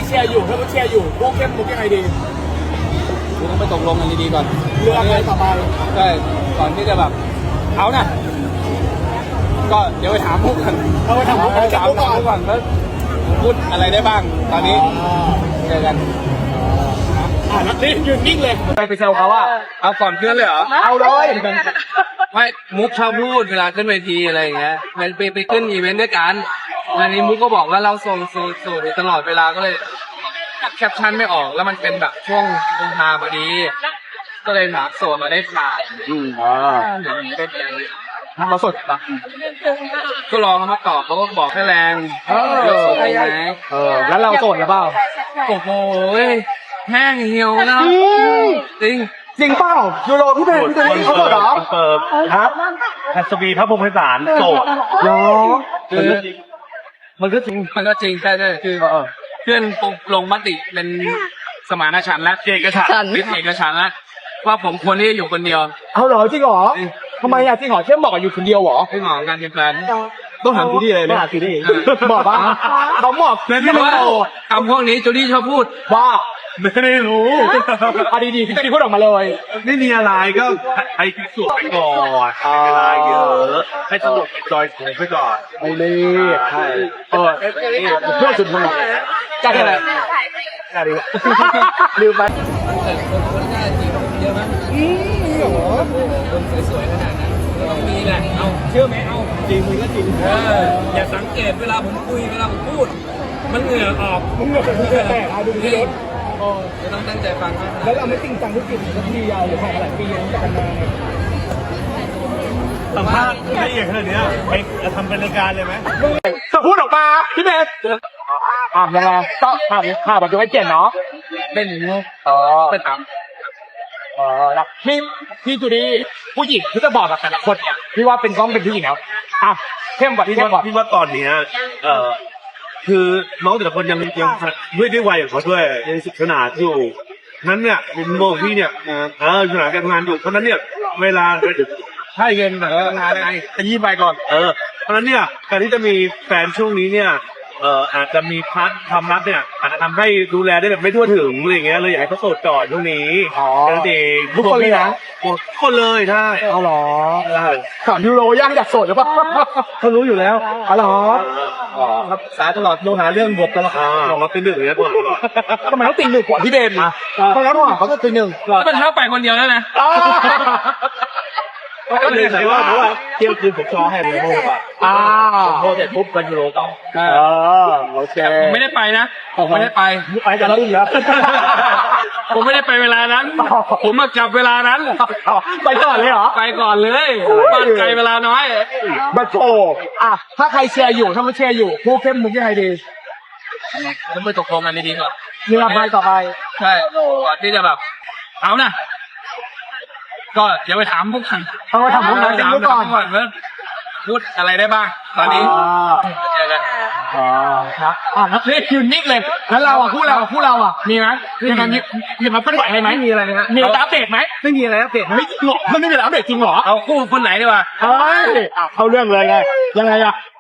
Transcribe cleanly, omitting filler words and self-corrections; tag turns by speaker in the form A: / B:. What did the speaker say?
A: เชียร์อยู่ถ้ามุกเชียร์อยู่มุกเข้มมุกยังไงดี
B: คือต้องไปตกลงกันดีๆก่อน
A: เรื่องอะไรต่อไป
B: ใช่ก่อนที่จะแบบเอานะก็เดี๋ยวไปถามมุกกัน
A: เอาไปถามมุกก่อน
B: แล้วพูดอะไรได้บ้างตอนนี้เจอกัน
A: นักเล่นยืนนิ่งเลย
B: ไปเซลเขาว่าเอาก่อนเพื่อนเลยเหรอ
A: เอาเลย
B: ไม่มุกชอบพูดเวลาขึ้นเวทีอะไรอย่างเงี้ยไปขึ้นอีเวนต์ด้วยกันอันนี้มุกก็บอกว่าเราส่งสูตรตลอดเวลาก็เลยแคปชั่นไม่ออกแล้วมันเป็นแบบช่วงลงทาพอดีก็เลยหาโซนมาได้ถ่าย
A: ทำมาสดปะ
B: ก็รอเขามาตอบเขาก็บอกให้แรง
A: แล้วเราโสดหรือเปล่า
B: โอ้โหแห้งเหี่ยวนะจริง
A: เปล่ายูโรพี่เป็นเขาโสดเหรอ
C: ครับอัศวีพระพรหมไพศาลโสด
A: เหรอ
B: มันก็จริงใช่คือเพื่อนลงมติเป็นสมานฉันท์และเอกฉันท์แล้วว่าผมควรที่จะอยู่คนเดียว
A: เอาเหรอจริงเหรอทำไมอะจริงเหรอเข้มบอกอยู่คนเดียวเหรอ
B: ไม่เหมาะการเป็นแฟน
A: ต้องถามจูดี้เลยนะจูดี้บอกว่าเขาบอก
B: ที่ว่าคำพวกนี้จูดี้ชอบพูด
A: ว่าไม่ได้รู้เอาดีๆพี่จูดี้พูดออกมาเลย
C: ไม่มีอะไรก็ให้พิสูจน์ไปก่อนเวลาเยอะให้สนุกจอยไปก่อน
A: ไม่รีบใช่เพื่อสุดพลังการอะไรการดีลืมไป
B: คนน่าจีบเยอะไหมคนสวยๆขนาดนั้นต้องมีแหละเอาเชื่อไหมเอา
A: จริงมันก็จริง
B: อย่าสังเกตเวลาผมคุยเวลาผมพูดมันเหงื่อออก
A: เหงื่อแตกดูพี่รถ
B: จะต้องตั้งใจฟังมาก
A: แล้วเราไม่จริงจังทุกทีสักทียาวหรือผ่านหลายปียังจะกันมา
C: สัมภาษณ์ละเอียดขนาดนี้ไปทำเป็นรายการเลยไหม
A: จะพูดออกมาพี่เบสยังไงก็ภาพแบบจะไม่เปลี่ยนเนาะ
B: เป็นอย่างนี้เป็นตาม
A: แล้วพี่จูดี้ผู้หญิงที่จะบอกกับแต่ละคนเนี่ยพี่ว่าเป็นกล้องเป็นผู้หญิงแล้วเข้มกว่า
C: พี่ว่าตอนนี้คือน้องแต่ละคนยังด้วยวัยของเขาด้วยยังศึกษาอยู่นั้นเนี่ยมุมมองพี่เนี่ยศึกษาการทำงานอยู่เพราะนั้นเนี่ยเวลา
A: ให้เงินแบบงานอะไรจะยี่ไปก่อน
C: เพราะนั้นเนี่ยการที่จะมีแฟนช่วงนี้เนี่ยอาจจะมีพาร์ทความรักเนี่ยอาจจะทำให้ดูแลได้แบบไม่ทั่วถึงอะไรอย่างเงี้ยเลยอยากให้เขาโสดก่อนช่วงนี้นั่นเอง
A: ทุกคนเลยนะ
C: ทุกคนเลยใช่
A: เอาหรอถามยูโรย่างอยากโสดหรือเปล่า
C: เขารู้อยู่แล้ว
A: เอาหรอ
C: ครับสายตลอดโดนหาเรื่องบวกตลอดบอกว่าเป็นหนึ่งเลยก่อน
A: ทำไมต้องตีหนึ่งกว่าพี่เบนเพราะแล้วเขาจะตีหนึ่ง
B: เป็นเท้าไปคนเดียวแล้วนะ
C: ก็เลยใส่ว่าเพราะว่าเที่ยวคืนผมชอให้เลยโม่ป่ะโม่เสร็จปุ๊บกันยูโรต่อ
A: โอเค
B: ผมไม่ได้ไปนะผมไม่ได้ไป
A: จะลื่นแล้ว
B: ผมไม่ได้ไปเวลานั้นผมมาจับเวลานั้น
A: ไปก่อนเลยเหรอ
B: ไปก่อนเลยบ้านไกลเวลาน้อย
A: บัตโตถ้าใครเชียร์อยู่ถ้าไม่เชียร์อยู่ผู้เข้มมุกยังไงดี
B: ต้องไปตกลงกันดีๆก่อน
A: เรื่องไปต่อไป
B: ใช่ก่อนที่จะแบบเอานะก็เดี๋ยวไปถามพวกกัน
A: เอาไปถามพวกกันก่อน
B: ว่าพูดอะไรได้บ้างตอนนี้เจอกัน
A: ครับนักเล่นยืนนิ่งเลยแล้วเราคู่เรามีไหมยังไงมีมาเป็นไหวไหมมีอะไรนะมีอัปเดตไหมไม่มีอะไรอัปเดตไม่หรอกมันไม่มีอัปเดตจริงหรอ
B: เอาคู่คนไหนดีวะ
A: เอาเรื่องเลยไงยังไง